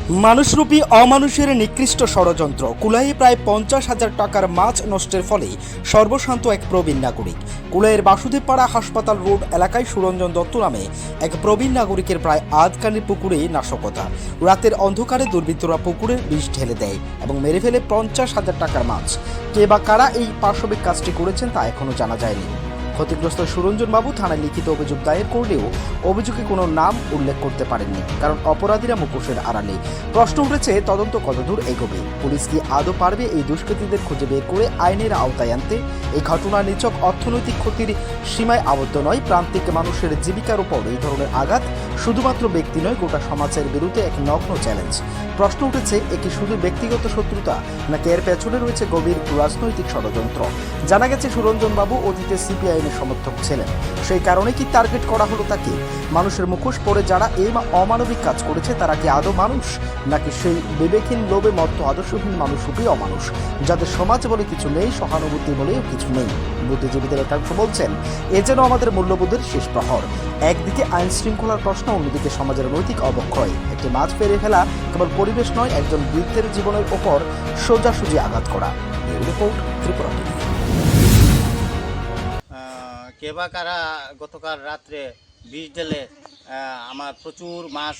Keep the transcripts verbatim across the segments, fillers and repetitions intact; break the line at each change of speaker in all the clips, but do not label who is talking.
মানুষরূপী অমানুষের নিকৃষ্ট ষড়যন্ত্র কুলাইয়ে প্রায় পঞ্চাশ হাজার টাকার মাছ নষ্টের ফলে সর্বশান্ত এক প্রবীণ নাগরিক। কুলাইয়ের বাসুদেবপাড়া হাসপাতাল রোড এলাকায় সুরঞ্জন দত্ত নামে এক প্রবীণ নাগরিকের প্রায় আধখানির পুকুরে নাশকতা। রাতের অন্ধকারে দুর্বৃত্তরা পুকুরে বিষ ঢেলে দেয় এবং মেরে ফেলে পঞ্চাশ হাজার টাকার মাছ। কে বা কারা এই পাশবিক কাজটি করেছেন তা এখনও জানা যায়নি। ক্ষতিগ্রস্ত সুরঞ্জন বাবু থানায় লিখিত অভিযোগ দায়ের করলেও অভিযোগে কোনো নাম উল্লেখ করতে পারেননি, কারণ অপরাধীরা মুখোশের আড়ালে। প্রশ্ন উঠেছে, তদন্ত কতদূর এগোবে? পুলিশ কি আদৌ পারবে এই দুষ্কৃতীদের খুঁজে বের করে আইনের আওতায় আনতে? এই ঘটনা নিছক অর্থনৈতিক ক্ষতির সীমায় আবদ্ধ নয়। প্রান্তিক মানুষের জীবিকার উপর এই ধরনের আঘাত শুধুমাত্র ব্যক্তি নয়, গোটা সমাজের বিরুদ্ধে এক নগ্ন চ্যালেঞ্জ। প্রশ্ন উঠেছে, একে শুধু ব্যক্তিগত শত্রুতা নাকি এর পেছনে রয়েছে গভীর রাজনৈতিক ষড়যন্ত্র? জানা গেছে সুরঞ্জন বাবু অতীতে সিপিআইএমের সমর্থক ছিলেন, সেই কারণে কি টার্গেট করা হলো তাকে? মানুষের মুখোশ পরে যারা এই অমানবিক কাজ করেছে তারা কি আদৌ মানুষ, নাকি সেই বিবেকহীন লোভে মত্ত আদর্শহীন মানুষরূপী অমানুষ, যাদের সমাজ বলে কিছু নেই, সহানুভূতি বলেও কিছু নেই? বুদ্ধিজীবীদের একাংশ বলছেন, এ যেন আমাদের মূল্যবোধের শেষ প্রহর। একদিকে আইন শৃঙ্খলার প্রশ্ন, অন্যদিকে সমাজের নৈতিক অবক্ষয়। একটি মাছ ফেরে ফেলা কেবল পরিবেশ নয়, একজন বৃদ্ধের জীবনের ওপর সোজাসুজি আঘাত করা। এই রিপোর্ট ত্রিপুরা টিভি।
কে বা কারা গতকাল রাত্রে বিষ ঢেলে আমার প্রচুর মাছ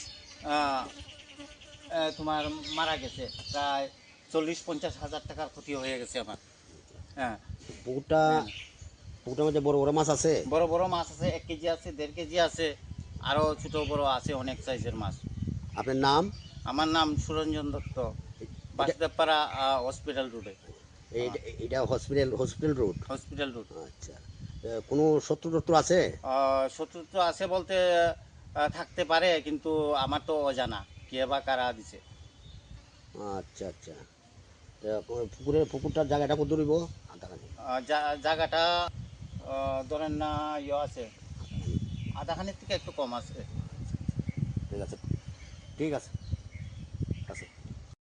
তোমার মারা গেছে। প্রায় চল্লিশ পঞ্চাশ হাজার টাকার ক্ষতি হয়ে গেছে আমার। হ্যাঁ,
পুকুরটা পুকুরটার মধ্যে বড় বড় মাছ আছে?
বড় বড় মাছ আছে, এক কেজি আছে, দেড় কেজি আছে, আরও ছোটো বড় আছে, অনেক সাইজের মাছ।
আপনার নাম?
আমার নাম সুরঞ্জন দত্ত, বাসুদেবপাড়া হসপিটাল রোডে।
এটা hospital hospital road
hospital road.
আচ্ছা, কোনো শত্রু টত্রু আছে?
শত্রু তো আছে বলতে থাকতে পারে, কিন্তু আমার তো অজানা কে বা কারা দিছে।
আচ্ছা আচ্ছা, পুকুরের পুকুরটার জায়গাটা কত দূরিব?
জায়গাটা ধরেন না ইয়ে আছে, আধাখানির থেকে একটু কম আছে।
ঠিক আছে, ঠিক আছে।